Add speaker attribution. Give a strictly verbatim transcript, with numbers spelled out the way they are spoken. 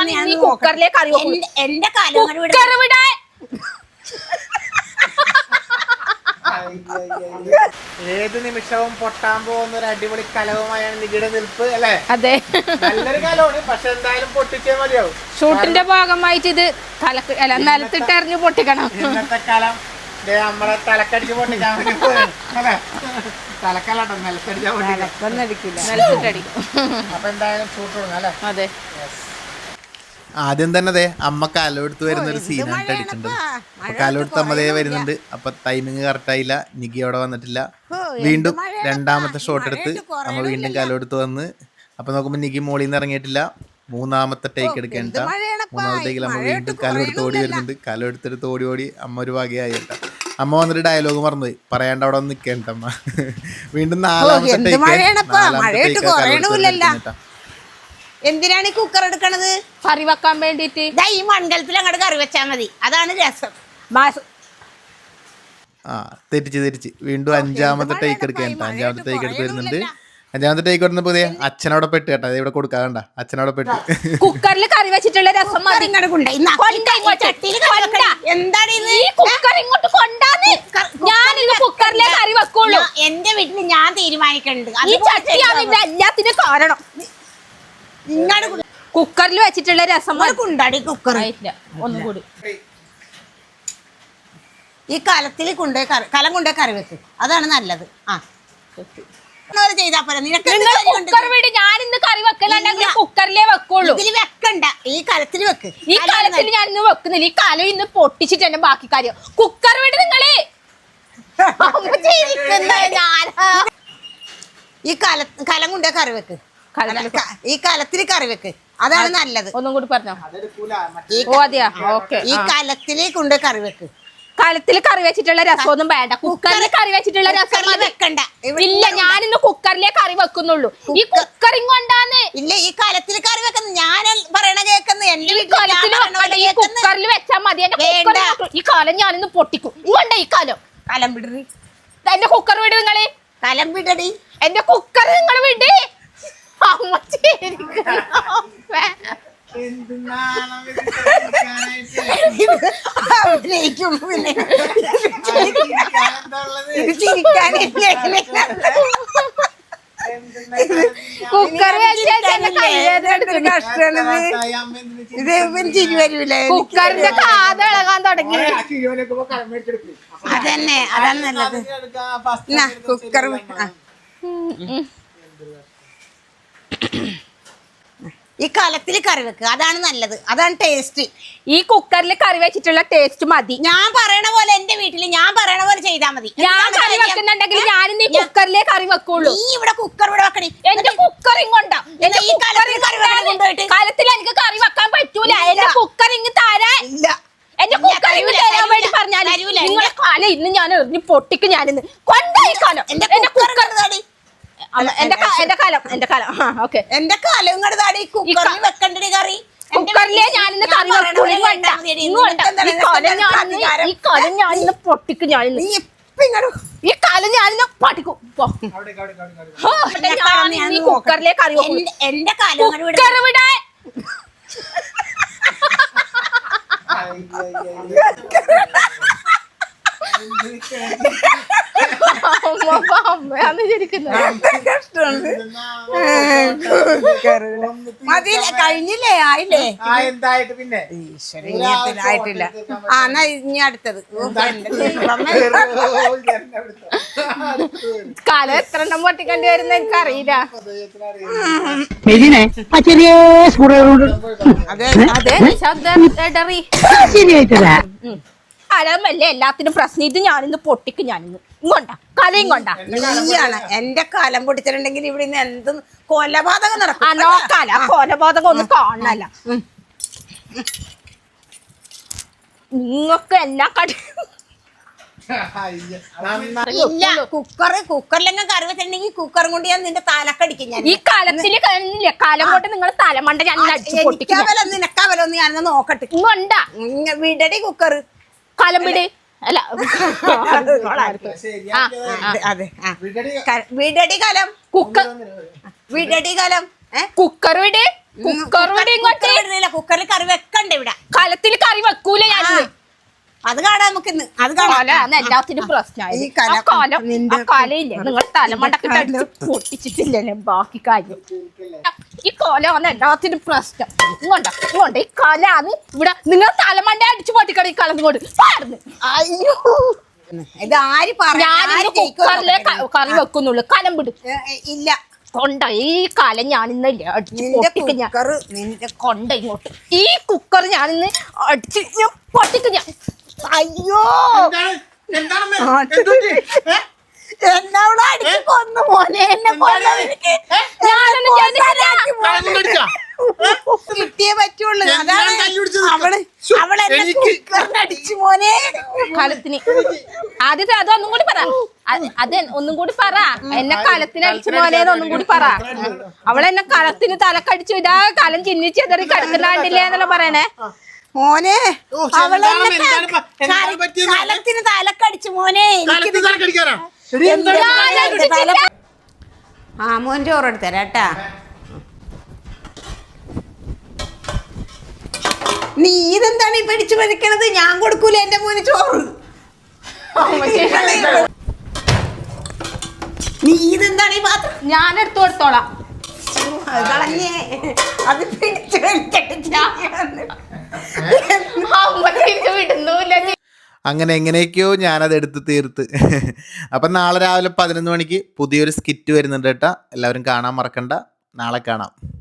Speaker 1: നീ കുക്കറിലെ കറി എന്റെ കാലം കുക്കർ വിടാൻ.
Speaker 2: ഏത് നിമിഷവും പൊട്ടാൻ പോകുന്ന ഒരു അടിപൊളി കലവുമായാണ് നികിടെ നിൽപ്പ് അല്ലേ?
Speaker 1: അതെ,
Speaker 2: നല്ലൊരു കലമാണ്. പക്ഷെ എന്തായാലും പൊട്ടിച്ചേ മതിയാവും.
Speaker 1: ഷൂട്ടിന്റെ ഭാഗമായിട്ട് ഇത് തലക്ക് അല്ല നിലത്തിട്ട് എറിഞ്ഞു പൊട്ടിക്കണം.
Speaker 2: ഇന്നത്തെ കാലം നമ്മളെ തലക്കടിച്ച് പൊട്ടിക്കാൻ വേണ്ടി പോയാണ് അല്ലെ? തലക്കല്ലാട്ടോ, നിലത്തടിച്ചാൽ
Speaker 1: നിലത്തിട്ടടിക്കും.
Speaker 2: അപ്പൊ എന്തായാലും ഷൂട്ട് തുടങ്ങാം അല്ലെ?
Speaker 1: അതെ.
Speaker 3: ആദ്യം തന്നെ അതെ അമ്മ കാലെടുത്ത് വരുന്ന ഒരു സീനാണ് അടിച്ചിട്ടുണ്ട്. അപ്പൊ കാലെടുത്ത് അമ്മതേ വരുന്നുണ്ട്. അപ്പൊ ടൈമിങ് കറക്റ്റ് ആയില്ല, നികി അവിടെ വന്നിട്ടില്ല. വീണ്ടും രണ്ടാമത്തെ ഷോട്ട് എടുത്ത് അമ്മ വീണ്ടും കാലെടുത്ത് വന്ന്. അപ്പൊ നോക്കുമ്പോ നികി മോളിൽ നിന്ന് ഇറങ്ങിയിട്ടില്ല. മൂന്നാമത്തെ ടേക്ക് എടുക്കേണ്ട. മൂന്നാമത്തേക്ക് അമ്മ വീണ്ടും കാലെടുത്ത് ഓടി വരുന്നുണ്ട്. കാലെടുത്തെടുത്ത് ഓടി ഓടി അമ്മ ഒരു വകയായിട്ട. അമ്മ വന്നിട്ട് ഡയലോഗ് മറന്നുപോയി, പറയാണ്ട് അവിടെ വന്ന് നിൽക്കേണ്ട അമ്മ. വീണ്ടും നാലാമത്തെ ടേക്ക്.
Speaker 4: എന്തിനാണ് ഈ കുക്കർ എടുക്കണത്?
Speaker 1: കറി വെക്കാൻ വേണ്ടിട്ട്.
Speaker 4: ഈ മൺകലത്തിൽ അങ്ങോട്ട് കറി വെച്ചാൽ മതി, അതാണ് രസം.
Speaker 3: ആ തെറ്റിച്ച് തെറ്റിച്ച് വീണ്ടും അഞ്ചാമത്തെ ടേക്ക് എടുക്കേണ്ട. അഞ്ചാമത്തെ ടേക്ക് എടുത്ത് വരുന്നുണ്ട്. അഞ്ചാമത്തെ ടേക്ക് വരുന്ന പുതിയ അച്ഛനോടെ പെട്ട് കേട്ടോ. അത് ഇവിടെ കൊടുക്കാണ്ട, അച്ഛനോടെ പെട്ട്.
Speaker 1: കുക്കറിൽ കറി വെച്ചിട്ടുള്ള രസം കുക്കറിലെ കറി വെക്കുള്ളൂ.
Speaker 4: എന്റെ വീട്ടിൽ ഞാൻ തീരുമാനിക്കുന്നുണ്ട്.
Speaker 1: ഈ ചട്ടിയാണ് എല്ലാത്തിനും കാരണം. കുക്കറിൽ വെച്ചിട്ടുള്ള രസം
Speaker 4: കൊണ്ടാടി കുക്കർ
Speaker 1: ഒന്നും കൂടി
Speaker 4: ഈ കലത്തിൽ കൊണ്ടേ കലം കൊണ്ടേ കറി വെക്ക്, അതാണ് നല്ലത്. ആ ചെയ്താ പോലെ
Speaker 1: ഞാനിന്ന് കറി വെക്കലുണ്ടെങ്കിൽ കുക്കറിലേ വെക്കുള്ളൂ.
Speaker 4: ഇതിൽ വെക്കണ്ട, ഈ കലത്തിൽ വെക്ക്.
Speaker 1: ഈ കലത്തിൽ ഞാൻ ഇന്ന് വെക്കുന്നില്ല. ഈ കലം ഇന്ന് പൊട്ടിച്ചിട്ട് തന്നെ ബാക്കി കാര്യം. കുക്കർ വിട് നിങ്ങളെ.
Speaker 4: ഈ കല കലം കൊണ്ടേ കറി വെക്ക്, ഈ കലത്തിൽ കറി വെക്ക്, അതാണ് നല്ലത്.
Speaker 1: ഒന്നും കൂടി പറഞ്ഞോ.
Speaker 4: ഈ കലത്തില് കൊണ്ട് കറി വെക്ക്.
Speaker 1: കലത്തിൽ കറി വെച്ചിട്ടുള്ള രസമൊന്നും വേണ്ട. കുക്കറിൽ കറി വെച്ചിട്ടുള്ള രസം
Speaker 4: വെക്കണ്ട.
Speaker 1: ഇല്ല, ഞാനിന്ന് കുക്കറിലേ കറി വെക്കുന്നുള്ളൂ. ഈ കുക്കറിങ് കൊണ്ടാന്ന്.
Speaker 4: ഇല്ല, ഈ കലത്തിൽ കറി വെക്കുന്നു. ഞാൻ പറയണ കേൾക്കുന്നു. എന്റെ
Speaker 1: ഈ കുക്കറിൽ വെച്ചാൽ മതി. ഈ കാലം ഞാനിന്ന് പൊട്ടിക്കും. ഇങ്ങോണ്ട ഈ കാലം.
Speaker 4: കലം വിടറി.
Speaker 1: എന്റെ കുക്കർ വിട് നിങ്ങള്.
Speaker 4: കലം വിടടി.
Speaker 1: എന്റെ കുക്കർ നിങ്ങൾ വിട്. കുക്കർ കുക്കറിന്റെ കാത് ഇളകാൻ തുടങ്ങി.
Speaker 4: അതന്നെ, അതാണ് നല്ലത്. കുക്കർ ഈ കലത്തിൽ കറി വെക്കുക, അതാണ് നല്ലത്, അതാണ് ടേസ്റ്റ്.
Speaker 1: ഈ കുക്കറിൽ കറി വെച്ചിട്ടുള്ള ടേസ്റ്റ് മതി.
Speaker 4: ഞാൻ പറയണ പോലെ എന്റെ വീട്ടില് ഞാൻ പറയണ പോലെ ചെയ്താൽ മതി.
Speaker 1: ഞാൻ കറി വെക്കുന്നുണ്ടെങ്കിൽ ഞാൻ ഈ കുക്കറിലേ കറി വെക്കുള്ളൂ.
Speaker 4: നീ ഇവിടെ കുക്കർ ഇവിടെ വെക്കണേ.
Speaker 1: എന്റെ കുക്കർ ഇങ്ങോട്ടാ. കലത്തിൽ എനിക്ക് കറി വെക്കാൻ പറ്റൂല. എന്റെ കുക്കർ ഇങ്ങ് തരാൻ. എന്റെ കുക്കർ ഇങ്ങ് തരാൻ വേണ്ടി പറഞ്ഞാൽ നിങ്ങളെ കാലം ഇന്ന് ഞാൻ എറിഞ്ഞ് പൊട്ടിക്ക്. ഞാനിന്ന് കൊണ്ടായി കാലം. എന്റെ കുക്കർ എന്റെ എന്റെ കാലം എന്റെ കാലം ഓക്കെ
Speaker 4: എന്റെ കാലം ഇങ്ങോട്ട് താടി. കുക്കറിൽ വെക്കണ്ടടി കറി.
Speaker 1: കുക്കറിലെ ഞാനിന്ന് കറി വെക്കൂല. ഈ കാലം ഞാനിന്ന് പൊട്ടിക്കും. ഞാനിന്ന് ഈ കാലം ഞാനിന്ന് പൊട്ടിക്കും. ഈ കുക്കറിലെ കറി
Speaker 4: എന്റെ കാലം
Speaker 1: കുക്കർ വിടാൻ.
Speaker 4: കഴിഞ്ഞില്ലേ? ആയില്ലേ?
Speaker 2: എന്തായിട്ട് പിന്നെ
Speaker 4: ആയിട്ടില്ല. ആ എന്നാ ഇനി അടുത്തത്.
Speaker 1: കാലം എത്ര എണ്ണം പൊട്ടിക്കേണ്ടി വരുന്ന എനിക്കറിയില്ല. അലമല്ലേ എല്ലാത്തിനും പ്രശ്നം. ഇത് ഞാനിന്ന് പൊട്ടിക്കും. ഞാനിന്ന് ഇങ്ങോട്ടാ കലയും കൊണ്ടാ.
Speaker 4: നീയാണ് എന്റെ കാലം പൊട്ടിച്ചിട്ടുണ്ടെങ്കിൽ ഇവിടെ നിന്ന് എന്തും കൊലപാതകം നടക്കും.
Speaker 1: ആ നോക്കാല കൊലപാതകം ഒന്നും കാണണല്ല. നിങ്ങൾക്ക് എല്ലാ കടി
Speaker 4: ഇല്ല. കുക്കർ കുക്കറിലെല്ലാം കറി വെച്ചിട്ടുണ്ടെങ്കിൽ കുക്കറും കൊണ്ട് ഞാൻ നിന്റെ തലക്കടിക്കും. ഞാൻ
Speaker 1: ഈ കാലത്തില് കഴിഞ്ഞില്ലേ കാലം കൊണ്ട് നിങ്ങൾ തലമണ്ട ഞാൻ
Speaker 4: നിനക്കാവലോ നിനക്കാവലോ ഒന്ന് ഞാനൊന്ന് നോക്കട്ടെ.
Speaker 1: ഇങ്ങോണ്ടാ
Speaker 4: വിടടി കുക്കർ.
Speaker 1: കാലം വിട്. അല്ല
Speaker 4: അതെ വിടടി കാലം. കുക്കർ വിടടി കാലം.
Speaker 1: കുക്കർ വിട്. കുക്കർ വിട്. ഇങ്ങോട്ട്
Speaker 4: കുക്കറിൽ അത് കാണാം.
Speaker 1: കൊലയാണ് എല്ലാത്തിനും പ്രശ്നമായി
Speaker 4: ഈ കല
Speaker 1: ആ കൊല ആ
Speaker 4: നിന്റെ
Speaker 1: കൊലയില്ലേ നിങ്ങൾ തലമണ്ടൊക്കെ അടിച്ച് പൊട്ടിച്ചിട്ടില്ലല്ലേ ബാക്കി കാര്യം ഈ കൊലയാണ് എല്ലാത്തിനും പ്രശ്നം ഇങ്ങോണ്ട ഇങ്ങോണ്ട ഈ കൊലയാണ് ഇവിടെ നിങ്ങൾ തലമണ്ട അടിച്ച് പൊട്ടിക്കട ഈ കലം കൊണ്ട് പാടുന്നു
Speaker 4: അയ്യോ ഇത് ആര് പറഞ്ഞു
Speaker 1: ഞാൻ കുക്കറിലെ കറി വെക്കുന്നുള്ളു കലം വിടും
Speaker 4: ഇല്ല
Speaker 1: കൊണ്ട ഈ കലം ഞാനിന്നല്ലേ അടിച്ച്
Speaker 4: നിന്റെ
Speaker 1: പൊട്ടിക്ക് ഞാൻ
Speaker 4: കുക്കർ നിന്റെ
Speaker 1: കൊണ്ട ഇങ്ങോട്ട് ഈ കുക്കർ ഞാനിന്ന് അടിച്ച് ഞാൻ പൊട്ടിക്ക് ഞാൻ
Speaker 4: അയ്യോ
Speaker 2: എന്താണ്? എന്താണമ്മേ? എന്തുപറ്റി? ഏ?
Speaker 4: എന്നവിടെ അടിച്ച് കൊന്നു മോനെ എന്നെ കൊന്നവനിക്ക്
Speaker 1: ഞാനൊന്നും ചെയ്തിട്ടില്ല.
Speaker 2: കളഞ്ഞു കടിച്ചാ?
Speaker 4: കിട്ടിയേ പറ്റുള്ളൂ
Speaker 2: എന്തിനാണ്
Speaker 4: അതാണ്
Speaker 2: തല്ലുപിടിച്ചത്?
Speaker 4: അവള്
Speaker 2: ശ്ശോ,
Speaker 4: അവളെന്നെ
Speaker 2: എനിക്ക്
Speaker 4: കുക്കറിന് അടിച്ചു മോനെ
Speaker 1: കലത്തിന് ആദ്യത്തെ അത് ഒന്നും കൂടി പറ അ- അത് ഒന്നും കൂടി പറ എന്നെ കലത്തിന് അടിച്ചു മോനേന്ന് ഒന്നും കൂടി പറ അവളെന്നെ കലത്തിന് തലക്കടിച്ചു ഇതാ കലം ചിന്നിച്ചെതറി കിടക്കുന്നാണ്ടില്ലേ എന്നല്ല പറയണേ
Speaker 4: മോനെ
Speaker 2: ഓ, ശ്ശെ,
Speaker 4: അവളെന്നെ
Speaker 2: എന്താണ് എന്താണ് പ- എന്താണ്
Speaker 4: കര-
Speaker 2: പറ്റിയത്?
Speaker 4: കലത്തിന് തലക്കടിച്ചു മോനെ
Speaker 2: കാലത്ത്
Speaker 4: എനിക്കിത്
Speaker 2: തലക്കടിക്കാനാ? എടി,
Speaker 4: എന്താണ്
Speaker 2: എന്താണ്
Speaker 1: ഞാൻ
Speaker 4: എന്റെ തല- ആ മോൻ ചോറെടുത്ത് തരാം കേട്ടാ നീ ഇതെന്താണ് ഈ പിടിച്ചു പറിക്കണത് ഞാൻ കൊടുക്കൂല എന്റെ മോന് ചോറ് നീ ഇതെന്താണ് ഈ പാത്രം
Speaker 1: ഞാൻ എടുത്തു കൊടുത്തോളാം
Speaker 4: അത് കളഞ്ഞേ അത് പിടിച്ചു വലിച്ചിട്ട്
Speaker 1: അമ്മ തിരിച്ചു വിടുന്നില്ല
Speaker 3: അങ്ങനെ എങ്ങനെയൊക്കെയോ ഞാനത് എടുത്ത് തീർത്ത്. അപ്പം നാളെ രാവിലെ പതിനൊന്ന് മണിക്ക് പുതിയൊരു സ്കിറ്റ് വരുന്നുണ്ട് കേട്ടോ. എല്ലാവരും കാണാൻ മറക്കണ്ട. നാളെ കാണാം.